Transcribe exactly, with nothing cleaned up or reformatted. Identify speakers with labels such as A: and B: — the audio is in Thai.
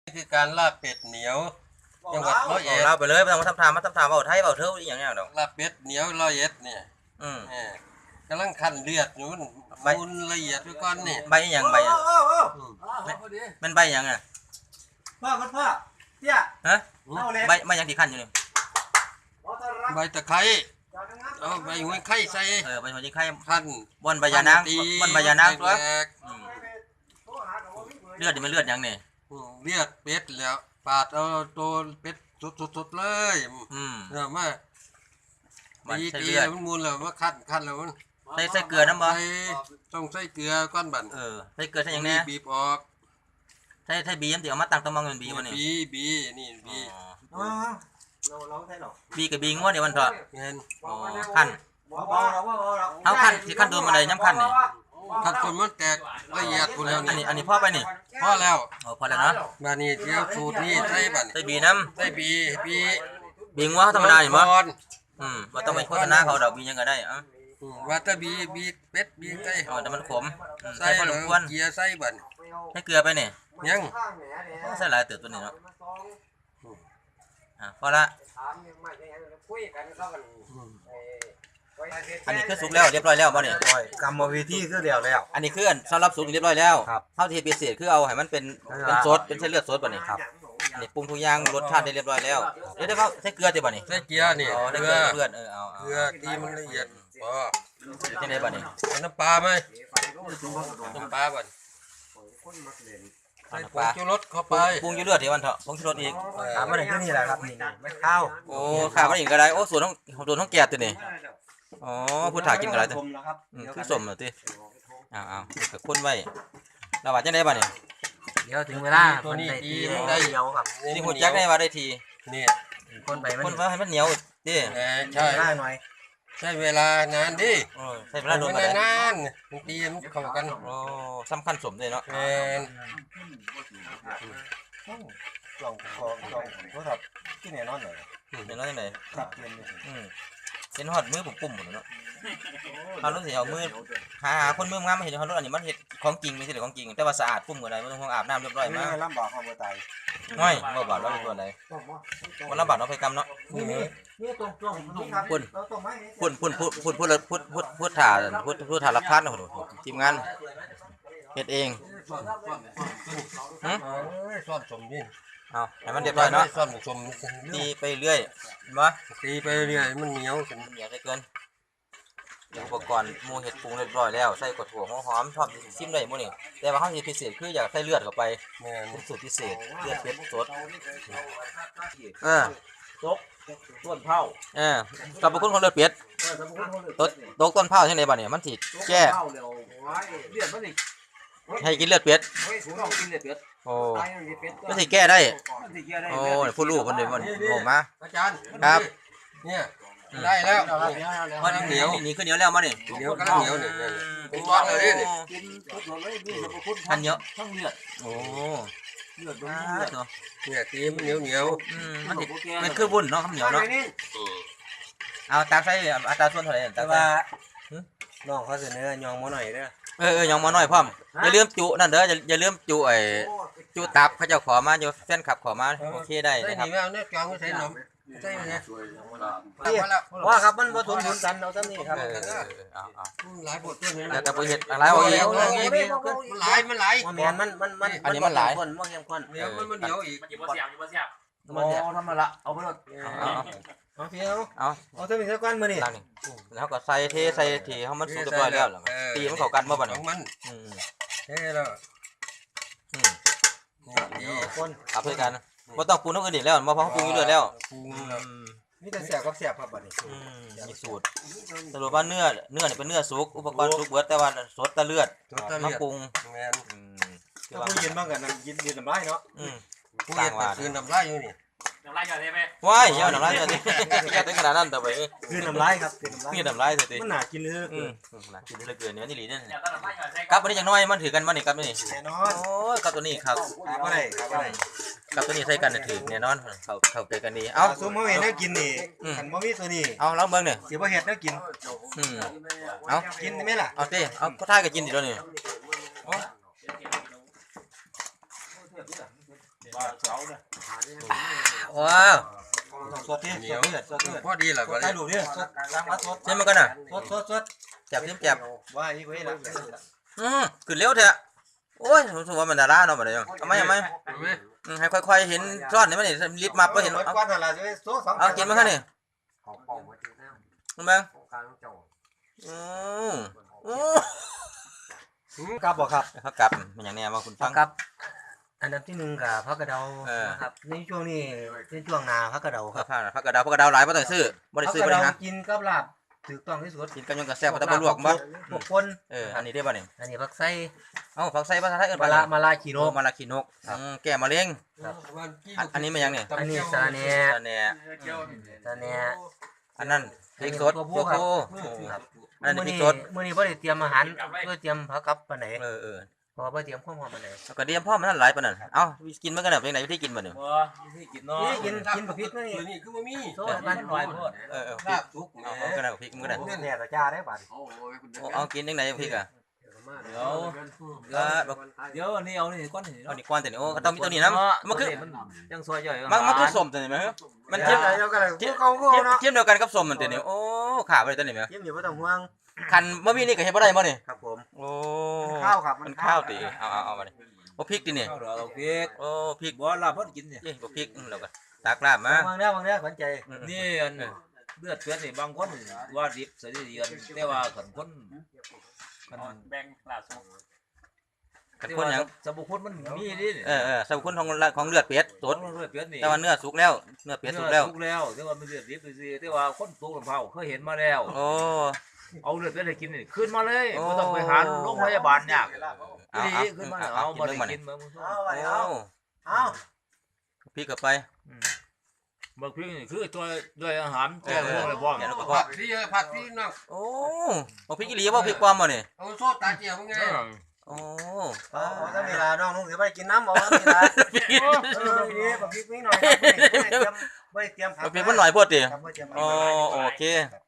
A: คือการลาบเป็ดเหนียวจังหวัดร้อยเอ็ด
B: เราไปเลยไม่ต้องมาทำทามมาทำทามเอาไทยเอาเท่าอย่างเงี้ยดอก
A: ลาบเป็ดเหนียวร้อยเอ็ดเนี่ย
B: อืม
A: กำลังคั่นเลือดอยู่มันมูลละเอียดด้วยก้อนนี่
B: ใบอย่างใบมันใบอย่างอ่ะ
C: พ่อพ่อพ่อเตี้ย
B: ฮะใบใบอย่างที่ขั้นอยู่นี่
A: ใบตะไคร้เอาใบหัวไข่ใส่
B: เออใบหัวไข่
A: คั่น
B: บนใบยานางบนใบยานางตัวเลือดนี่มันเลือดอย่างนี่
A: เลือดเป็ดแล้วปาดเอาตัวเป็ดสดๆเลย
B: อืม
A: เออมาตีตีมันมูลแล้วมาคั่นคั่นแล้วมัน
B: ใส่ใส่เกลือน้ำบ่
A: ต้องใส่เกลือก้อนบั่น
B: เออใส่เกลือใส่อย่างนี้
A: บีบออก
B: ใส่ใส่บีมที่เอามาตั้งตัวมองเงินบีวันนี้
A: บีบีนี่บี
C: อ๋อเราเราใช่หรอ
B: บีกับบีงวดเดี๋ยววันเถอะ
A: เงิน
B: อ๋อขั้นเอาขั้นที่ขั้นโดนมาเลยน้ำขั้นนี่
A: ขั้นจนมันแตกละเอียดหมดแล้ว
B: นี่อันนี้อันนี้พ่อไปนี่
A: พ่อแล้ว
B: โอ้พอแล้วเนาะ
A: บ้านนี้เดี๋ยวสูตรนี้ใส่บั่น
B: ใส่บีน้
A: ำใส่บีบี
B: บีงวธรรมดานี่มั้งอืมว่าต้องไปโฆษณาเขาดอกบียังก็ได้อ่ะ
A: ว่าถ้าบีบีเป็ดบีไก่
B: อ๋อแต่มันขม
A: ใส่แล้วเกลือใส่บั่น
B: ให้เกลือไปนี่
A: ยัง
B: ใส่หลายเติบตัวนี้เนาะอ่ะพอละอันนี้คือสุกแล้วเรียบร้อยแล้วบ่เนี่ย
C: กรรมวิธีคือเดียวแล้ว
B: อันนี้คือสำหรับสุกเรียบร้อยแล้วเท่าที่พิเศษคือเอาให้มันเป็นเป็นซดเป็นเส้นเลือดซดบ่เนี่ยครับอันนี้ปรุงทุกอย่างรสชาติได้เรียบร้อยแล้วเดี๋ยวเดี๋ยวเขาใส่เกลือติบ่เนี่ย
A: ใส่เกลือนี่
B: เกลือเกลือเออเอา
A: เกลือตีมันละเอียดพอ
B: ที่ไหนบ่เนี่ย
A: น้ำปลาไหมน้ำปลาบ่ใส่ผงชูรสเข้าไป
B: ปรุงอยู่เลือดที่วันเถอะผงชูรสอีก
C: ถามมาหนึ่งก็นี่แหละครับนี่ไม่ข้าว
B: โอ้ข้าวมาหนึ่งก็ได้โอ้ส่วนต้องส่วนต้องแก่ตัวนี่อ๋อผู้ถ่ายกินกันอะไรตัวคือสมเหรอตีอ้าวอ้าวกับคนไว้เราว่าจะได้บ่เนี่ย
C: เดี๋ยวถึงเวลา
A: ตัวนี้ดีได้
C: เหนียวครับ
B: นี่หุ่นยักษ์ได้ว่าได้ที
A: นี่
C: คนไป
B: คนว่าให้มันเหนียวดิ
A: ใช่
C: ได้หน่อย
A: ใช้เวลานานดิ
B: ใช้เวลาโดน
A: นานานตีมันเข้ากัน
B: โอ้สำคัญสมเลยเนาะ
C: ลองลองลองโทรศัพท์ที่ไหนนอนหน่อย
B: เห็นนอนยังไง
C: ครับเย็น
B: อืมเห็นหอดมือผมปุ่มหมดเนาะเขาต้องเสียเอามือหาหาคนมืองามมาเห็นเขารู้อันนี้มันเห็ดของจริงไม่ใช่หรือของจริงแต่ว่าสะอาดปุ่มกันเลยไม่ต้องอาบน้ำเรียบร้อยมาก
C: ลำบากความตาย
B: ไม่บ่บาดเราเป็นตัวอะไรวันลำบากเราไปกำเนาะพุ่นพุ่นพุ่นพุ่นพุ่นพุ่นพุ่นพุ่นพุ่นถ่าพุ่นพุ่นถ่ารับทานนะคนทีมงานเฮ็ดเอง
A: ฮึซ่อนสมนี่
B: เอาให้มันเรียบร้อยเนาะ
A: ซ่อนสม
B: ตีไปเรื่อยมา
A: ตีไปเรื่อยมันเหนียวขึ้น
B: เหนียวได้เกินอุปกรณ์มูเห็ดปรุงเรียบร้อยแล้วใส่กระถั่วหอมชอบซิมได้หมดนี่แต่ว่าข้าวที่พิเศษคืออยากใส่เลือดเข้าไปเป็นสูตรพิเศษเลือดเป็ดสดเออ
C: ตกต้นเผา
B: เออกับบุคคลของเลือดเป็ดตกตกต้นเผาที่ไหนบ้างเนี่ยมันสิแก้ให้กินเลือดเป็ดโอ้ไม่สิแก้ได้โอ้ผู้รู้คนเดียวมันโง่มา
A: อาจารย์
B: ครับ
A: เนี่ยได้แล้ว
B: มันเหนียวนี่คือเหนียวแล้วมาเนี่ย
A: เหนียวก็เหนียวเนี่ยเป็นก้อนเลยนี่
B: อันเยอะต้องเลือดโอ้
A: เลือดเนี่ยตีมันเหนียวเหนียว
B: มันมันคือบุญเนาะข้าวเหนียวเนาะเอาตามใส่อัตราส่วนเท่าไหร่แต่ว่า
C: น้องเขาเสนอยองมาหน่อยเด้อ
B: เออเออยองมาหน่อยพ่อมอย่าลืมจุนั่นเด้ออย่าลืมจุไอ้จุตับเขาเจ้าขอมาอยู่แฟนคลับขอมาโอเคได้นะครับ
A: ใส่หนีแมวเนี่ยจองใส่หนมใช่ไหม
C: ว่าครับมันผสมผสมกันเอาซ้ำนี่ครับ
A: หลายบทตัวนี้
B: แต่แต่เห็ดอะไรเอาอีก
A: มันหลายมันหลาย
C: มันมันมันมัน
B: อันนี้มันหลาย
C: คนมันเข้มข้น
A: เดี๋ยวมันมันเหนียวอีก
D: มันอยู่บนเสียบอยู่บนเสียบ
C: มันเสียบทำมาละเอาไปหมดเอาเพียวเอาเอาเท่านี้เท่ากันมือนี่
B: แล้วก็ใส่เทใส่ทีเขามันสุกเรียบร้อยแล้วตีมันเข้ากันเมื่อวันนี้
A: มันเท่แล้ว
B: นี่คนขับด้วยกันว่าต้องปรุงน้ำอื่นอีกแล้วมาเพราะปรุงอยู่เรื่อยแล้ว
C: นี่จะเสียบกับเสียบครับบัดนี้
B: มีสูตรสรุปว่าเนื้อเนื้อเนี่ยเป็นเนื้อสุกอุปกรณ์สุกเบิดแต่ว่าสดตะเลือดมาปรุง
C: ถ้าผู้ยินบ้างกันนะยินยินน้ำลายเนาะ
A: ผู้ยินคือน้ำลายอยู่นี่
D: น้ำลายอยู่ได้ไหม
B: ว้ายเยอะน้ำลายเยอะนี่แค่ถึงขนาดนั้นแต่ไป
C: คือน้ำลายครับ
B: คือน้ำลายสิ
C: มันหนากินเลย
B: หนากินเลยเกินเนื้อนี่หลีเนี่ยกับวันนี้อย่างน้อยมันถือกันวันนี้กับนี่
C: แน่นอน
B: โอ้ยกับตัวนี้ครับ
C: กับอะไรกับอะไร
B: กับตัวนี้ใส่กันถือแน่นอนเขาเขาเจอกันดีเอ้า
C: ซุ่มเขาเห็นน่ากินนี่ขันบะหมี่ตัวนี้
B: เอาแล้วเบิ้งเนี่ย
C: เสียบะเห็ดน่ากิน
B: เอา
C: กินได้ไหมล่ะ
B: เอาสิเอาก็ท่าก็กินดิแล้วนี่
C: บ้าเสาเนี่ย
B: ว้าว
C: สดที่สดที่สดที่
A: พอดีแหละ
C: ส
A: บั
C: ด
A: ด
C: ได้
A: นี้
C: ดูดิสดล้างมาสด
B: เช่นมันกันน่ะ
C: สดสดสด
B: จับจิ้มจับ
C: ว่าอีกเว้ยละ
B: อืมขึ้นเร็วเถอะโอ้ยผมถือว่ามันดาราเนาะบัดนี้เอาไหมเอาไหม
A: เอาไหม
B: อืมให้ค่อยๆเห็นซ้อนนี่มันนี่รีบมาบ่เห็น
C: เอา
B: เอา
C: ก้อนอะไรจะโซ่สอง
B: เอากินมาคั่นนี่มึงเบิ่งอืมอืม
C: ครับบอกครับ
B: เขากลับมันอย่างแน่ว่าคุณฟัง
E: ครับ อันดับที่หนึ่งกับพักกระเดา
B: เออ
E: นะครับในช่วงนี้เป็นช่วงนาพักกระเดาค
B: พั
E: รั
B: ก
E: บ
B: ผ้าพักกระดาวพักกระดาวหลายบ่ต้องซื้อบ่ได้
E: พัก
B: ซื้อก บ่
E: ระ
B: ได้
E: เดา
B: หา
E: กินกับลาบถูกต้องที่สุด
B: กินกันยังกระแซ่บบ่ต้องบ่ลวกบ่
E: พวกคน
B: เอออันนี้ได้บ่นี่
E: อันนี้พักไส้
B: เอ้าผักใส่ภาษาไทยเอิ้น
E: มา
B: ว่า
E: ละ
B: อะไร
E: มาลาขีโน
B: โอ้
E: ก
B: มาลาขี้นกอืมแก้มะเร็ง อันอันนี้มันยังนี่
E: อันนี้สาเนีย
B: อันเนี้ย
E: สาเนีย
B: อันนั้นพริกสด
E: ตัว
B: โค
E: ผู้ครับ
B: โค่ครับอันนี้
E: มื้อ
B: พริก
E: นี้
B: สด
E: มื้อนี้บ่ได้เตรียมอาหารเพื่อเตรียมพักกับปานไหน
B: เออเออ
E: เพราะว่าบ่เตรียมความหอมปานไหน
B: แล้วก็เดียมพ่อมันนั่นหลายปานนั้นเอ้ากินมันกันแบบไหนวิธีกินบ่นี่
D: บ่ที่กินเนาะ
E: นี่กินกินกับพริกนี่
A: นี่คือบ่มี
E: โซ่กันหน่อยพด
B: เออเออพ
A: ลา
B: ริก
A: บสุก
B: เอาเอากันได้พริกมันก็ได้
C: เนี่ยตะจ้าได้บัด
A: โอ้ยคุณ
B: โอ้เอากินจังไดพริกอ่ะ
D: เดี๋ยว
B: เออบอก
D: เดี๋ยวอันนี้เอานี่ก้อนนี่
B: เอานี่ก่อนแต่นี่โอ้ก็ต้องมีตัวนี้นํมันคือ
D: มันยังซอยย่อย
B: มันมันคือส้มตัวนี้มั้ยมัน
C: เที
B: เที
C: ย
B: ย
C: ม
B: ม
C: กันแล้วก็เลย
B: เทียม
C: เขาก็
B: เทียม
C: เนาะ
B: เทียมเดียวกันกับส้มมันตัวนี้โอ้ขาบ่ได้ตัวนี้มั้ย
C: เทียมอยู่บ่ต้องห่วง
B: คันบ่มีนี่ก็เฮ็ดบ่ได้บ่นี่
C: ครับผม
B: โอ้
C: ข้าวครับ
B: มันข้าวติเอาเอาเอามาดิโอ้พริกตินี่
D: เอาเอาพริก
B: โอ้พริก
D: บ่ลาบเพิ่นกินเนี่ย
B: เอ้ยบ่พริกอืมแล้วก็ตักลาบมา
E: วางเด้อวางเด้อขวัญใจ
B: อืม
D: นี่อันเลือดเลือดนี่บางคนว่าดิบใส่ดีกันแต่ว่าขันคนมันแบ่งลาสุก
B: กันคนหยัง
D: สมุนมันมีนี่
B: เออเออสรรพคุณของของเลือดเป็ดสด
D: เลือดเป็ดนี่
B: แต่ว่าเนื้อสุกแล้วเนื้อเป็ดสุกแล้ว
D: สุกแล้วแต่ว่ามันเลือดดิบซื่อแต่ว่าคนตูลำเผาเคยเห็นมาแล้ว
B: โอ้
D: เอาเลือดเป็ดให้กินนี่ขึ้นมาเลย
B: โอ้
D: บ่ต้องไปหาโรงพยาบาลยาก
B: เอา
D: ดี
B: เอา
D: ขึ้นมา
B: เอา
D: เอา
B: เอากิน
D: มา
B: เรื่องมัน
D: กิ
B: นี่
D: นมา
C: เอาไป
B: โอ้
C: เอาเอา
B: พริกเข้าไป
D: บางพริกนี่คือตัวด้วยอาหารแก้พวกอะไรบ้าง
B: แกะแล้วก็พอ
A: ผัดพี่ผัดพี่น้อง
B: โอ้บ่พริกอีหลีบ่พริกปลอมบ่นี่
A: เอาโซ่ตาเจียวมึงไง
B: โอ้
C: เอาเอาถ้ามีลาน้องนุ่งสิบ่ได้กินน้ำเอาถ้ามีลา
B: พริก
C: เออนี่บักพริกนิดหน่อยครับบ่ได้เตรียมบ่ได้เตรียมผัก
B: พริกมันหน่อยโพดติ
C: ครับบ่ได้เตรียมผัก
B: โอ้โอเค
C: ครับ